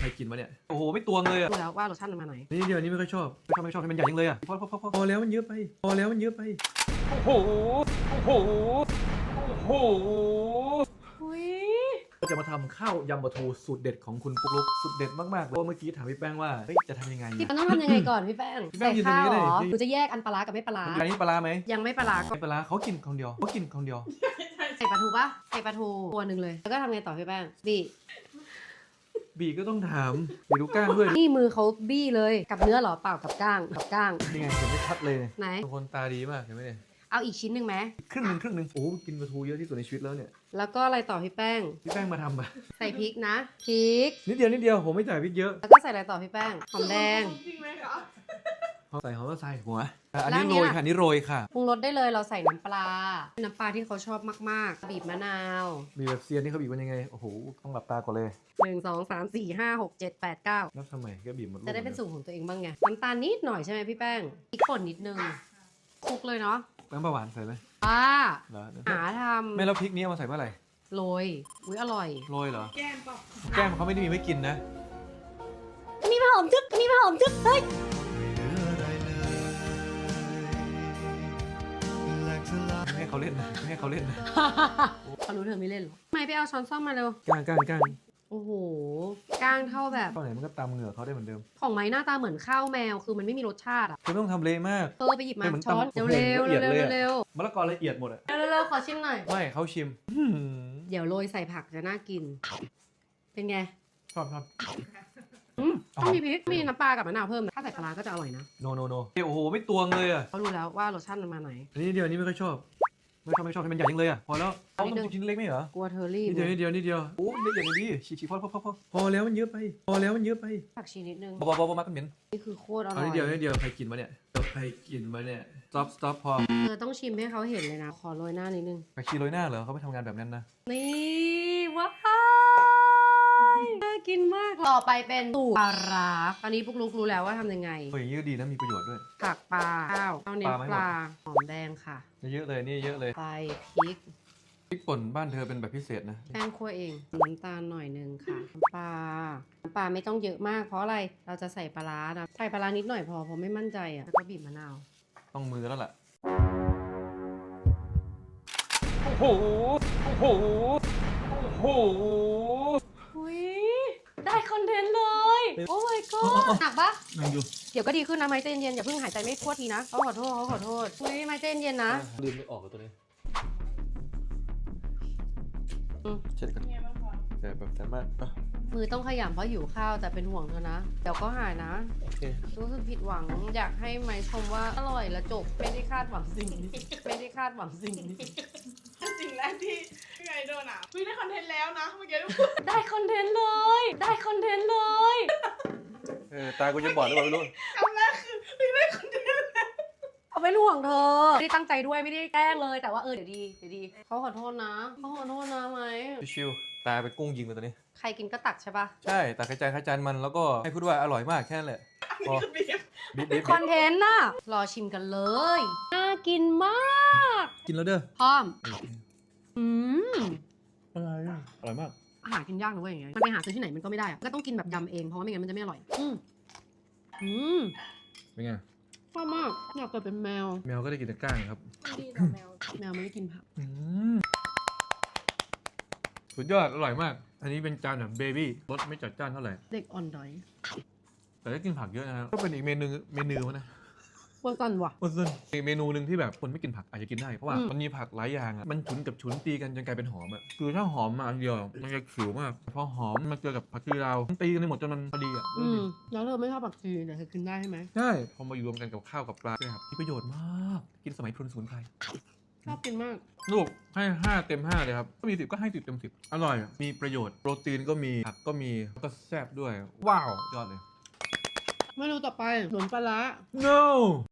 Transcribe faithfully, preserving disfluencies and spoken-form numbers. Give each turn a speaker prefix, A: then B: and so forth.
A: ใครกินมาเนี่ยโอ้โหไม่ตวงเลยอ่ะ
B: ดูแล้วว่ารสชาติมันมาไหน
A: นี่เดียวนี้ไม่ค่อยชอบไม่ชอบไม่ชอบให้มันใหญ่จังเลยอ่ะพอพอพอพอพอแล้วมันเยอะไปพอแล้วมันเยอะไปโอ้โหโอ้โหโอ้โห
B: อุ้ย
A: เราจะมาทำข้าวยำปลาทูสูตรเด็ดของคุณปุ๊กลุ๊กสูตรเด็ดมากๆเลยเพราะเมื่อกี้ถามพี่แป้งว่าเฮ้ยจะทำยังไง
B: พี่มันต้องทำยังไงก่อนพี่แป้ง
A: พี่แป้
B: ใส่
A: งยืนตรง
B: ข้าว
A: นี้
B: เหรอ
A: เลย
B: หนูจะแยกอันปลาร้ากับไม่ปลาร้า
A: อันนี้ปลาร้าไหม
B: ยังไม่ปลาร้าก็
A: ไม่ปลาร้าเขากินคนเดียวเขากินคนเดียว
B: ใส่ปลาทูปะใส่ปลาทูตัวหนึ่งเลยแล้วก็ทำไงต่อพี่แป้งบี้
A: บีก็ต้องถามบีดูก้างด้วย
B: นี่มือเขาบี้เลยกับเนื้อเหรอเปล่ากับก้างกับก้าง
A: นี่ไงเห็นไม่ชัดเลย
B: ไหน
A: ทุกคนตาดีมากเห็นไหมเนี่ย
B: เอาอีกชิ้นหนึ่งไหม
A: ครึ่งหนึ่งครึ่งหนึ่งโอ้กินปลาทูเยอะที่สุดในชีวิตแล้วเนี่ย
B: แล้วก็อะไรต่อพี่แป้ง
A: พี่แป้งมาทำปะ
B: ใส่พริกนะพริก
A: นิดเดียวนิดเดียวผมไม่จ่ายพริกเยอะ
B: แล้วก็ใส่อะไรต่อพี่แป้งหอมแดง
C: จริงไหมคะ
A: พอใส่หอมก็ใส่หัวอ่ะอันนี้
B: แล้ว
A: โร
B: เนี่ย
A: ยค่ะอันนี้โรยค่ะ
B: ปรุงรสได้เลยเราใส่น้ำปลาน้ำปลาที่เขาชอบมากๆบีบมะนาว
A: มีแบบเซียนนี่เขาบีบมันยังไงโอ้โหต้องหลับตาก่อนเลย
B: หนึ่งสองสามสี่ห้าหกเจ็ดแปดเก้า
A: นับทำไมก็บีบหมดลูก
B: จะได้เป็นสูตรของตัวเองบ้างไงน้ำตาลนิดหน่อยใช่ไหมพี่แป้งพริกป่นนิดนึงคลุกเลยเนาะ
A: น้ำปลาหวานใส่ไหม
B: ป้า
A: เหรอ
B: หาท
A: ไม่แล้วพริกนี้เอามาใส่เมื่อไหร่
B: ำโรยอุ้ยอร่อย
A: โรยเหรอ
C: แก้มเปล่า
A: แก้มเขาไม่ได้มีไว้กินนะ
B: มีผาหอมจึ๊บมีผาหอมจึ๊บเฮ้ย
A: ไม่ให้เขาเล่นนะไม่ให้เขาเล่นนะ
B: เขารู้เธอไม่เล่นหรอทำไมไปเอาช้อนซ่อมมาเร็ว
A: ก้างก้างก้าง
B: โอ้โหก้างเท่าแบบ
A: ข้าวไหนมันก็ตำเหงื่อเขาได้เหมือนเดิม
B: ของไม้หน้าตาเหมือนข้าวแมวคือมันไม่มีรสชาติอ่ะ
A: คือไม่ต้องทำเละมาก
B: เออไปหยิบมา
A: เป็นเหมือน
B: ช้อน
A: ตำ
B: เร็วเร็ว
A: ละเอี
B: เร็
A: ยว ดเลยอะ
B: เร็ว
A: มะละกอละเอียดหมดอะ
B: เร็วเร็วขอชิมหน่อย
A: ไม่เขาชิม
B: เดี๋ยวโรยใส่ผักจะน่ากิน เป็นไง
A: ชอบชอบ
B: อืมต้องมีพริกมีน้ำปลากับมะนาวเพิ่มนะถ้าใส่ปลาร้าก็จะอร่อยนะ
A: โนโนโนโอ้โหไม่ตวงเลยอะ
B: เขารู้แล้วว่ารสชาติมันมาไหน
A: อันนี้เดียวอันนี้ไม่ค่อยชอบไม่ชอบไม่ชอบให้มันใหญ่จังเลยอะพอแล้ว
B: อั
A: เอา
B: นนี้
A: ต้อง
B: หนึ่ง
A: ชิ้นเล็กไม่เหรอ
B: กลัวเธอรีบ
A: นิดเดียวนิดเดียวนิดเดียวโอ้เล็กอย่างนี้ฉีกฉีกพอพอพอพอพอแล้วมันเยอะไปพอแล้วมันเยอะไป
B: ผักชีนิดนึง
A: บอบอบอมากันเหม็น
B: นี่คือโคตรอร่
A: เอา
B: อย
A: นิดเดียวนิดเดียวใครกินมาเนี่ยใครกินมาเนี่ย stop stop พอ
B: เธอต้องชิมให้เขาเห็นเลยนะ ขอโรยหน้านิดนึง
A: ไปขี้โรยหน้าเหรอเขาไม่ทำงานแบบนั้นนะ
B: นี่ว้ายน่ากินมาก ต่อไปเป็นสูตรปลาร้าตอนนี้ปุ๊กลุกรู้แล้วว่าทำยังไง
A: เฮ้ยอย่างนี้ก็ดีนะมีประโยชน์ด้วย
B: ผักปลาข้าวเอาเน้น
A: ปลาไม่หมด
B: ปลาหอมแดงค่ะ
A: เยอะเลยนี่เยอะเลย
B: ไปพริก
A: พริกป่นบ้านเธอเป็นแบบพิเศษนะ
B: แป้งคั่วเอง น้ำตาลหน่อยนึงค่ะน้ำปลา น้ำปลาไม่ต้องเยอะมาก เพราะอะไร เราจะใส่ปลาร้านะใส่ปลาร้านิดหน่อยพอ เพราะไม่มั่นใจอ่ะ แล้วก็บีบมะนาว
A: ต้องมือแล้วล่ะโอ้โหโอ้โหโอ้โห
B: อุ้ยได้คอนเทนต์เลย โอ้ my god หนักปะ
A: นั่งอยู่
B: เดี๋ยวก็ดีขึ้นนะไม้ใจเย็นๆอย่าเพิ่งหายใจไม่ทั่วทีนะเขาขอโทษเขาขอโทษอุ้ยไม้ใจเย็นๆนะ
A: ลืมไม่ออกกับตัวนี้
B: อืม
A: เช็ดกัน
C: ไงบ้างคะ
A: แต่แบบสามารถอ่ะ
B: มือต้องขยำเพราะหิวข้าวแต่เป็นห่วงเธอนะ เดี๋ยวก็หายนะ
A: โอเค
B: รู้สึกผิดหวังอยากให้ไม้ชมว่าอร่อยและจบไม่ได้คาดหวังสิ่งนี้ไม่ได้คาดหวังสิ่งนี้
C: สิ่งแรกที่พี่ไงโดนอ่ะพี่ได้คอนเทนต์แล้วนะเมื่อกี้
B: ได้คอนเทนต์เลย ได้คอนเทนต์เลย
A: เออตากูจะบอดหรือเปล่าไม่รู้
C: คำแรกคือพี่ได้คอนเทนต์แล้ว
B: เอาเป็นห่วงเธอไม่ได้ตั้งใจด้วยไม่ได้แกล้งเลยแต่ว่าเออเดี๋ยวดีเดี๋ยวดีเขาขอโทษนะเขาขอโทษนะไหม
A: ชิวๆตาไปนกุ้งยิงเลยตัวนี้
B: ใครกินก็ตักใช่ปะ
A: ใช่ตาขจายขจานมันแล้วก็ให้พูดว่าอร่อยมากแค่นั้นแหละพอ
C: คือบีบ
A: บิ๊บบิ๊บ
B: คอนเทนต์น่ะรอชิมกันเลยน่ากินมาก
A: กินแล้วเด้อ
B: พร้อมอืม
A: อะไรอ่ะอร่อยมาก
B: อาหารกินยากนะเว้ยอย่างเงี้ยมันไปหาซื้อที่ไหนมันก็ไม่ได้อะก็ต้องกินแบบยำเองเพราะว่าไม่งั้นมันจะไม่อร่อย อืมอืม
A: เป็นไง
B: ชอบมากอยากเกิดเป็นแมว
A: แมวก็ได้กินแต่ก้างครับ
C: ดีต่อแมว
B: แมวไม่ได้กินผัก
A: อืมสุดยอดอร่อยมาก อันนี้เป็นจานแบบเบบี้รสไม่จัดจ้านเท่าไหร่
B: เด็กอ่อนดอย
A: แต่ได้กินผักเยอะนะครับก็เป็นอีกเมนูเมนูนะ
B: ว่ากันว่ะ
A: อ้วนซึ่งอีกเมนูหนึ่งที่แบบคนไม่กินผักอาจจะกินได้เพราะว่า
B: อืม
A: มันมีผักหลายอย่างอ่ะมันฉุนกับฉุนตีกันจนกลายเป็นหอมอ่ะคือถ้าหอมมาอันเดียวมันจะขิวมากพอหอมมาเจอกับผักชีลาวมันตีกันไปหมดจนมันพอดีอ่ะ
B: อืมแล้วเธอไม่ชอบผักชีแต่เธอกินได้ใช่ไหม
A: ใช่พอมารวมกันกับข้าวกับปลาใช่ครับมีประโยชน์มากกินสมัยพรุนสมุนไพร
B: ชอบกินมาก
A: ลูกให้ห้าเต็มห้าเลยครับก็มีสิบก็ให้สิบเต็มสิบอร่อยอะมีประโยชน์โปรตีนก็มีผักก็มีแล้วก็แซ่บด้วยว้าวยอดเลย
B: เมนูต่อไปหนุนปลาร้า
A: no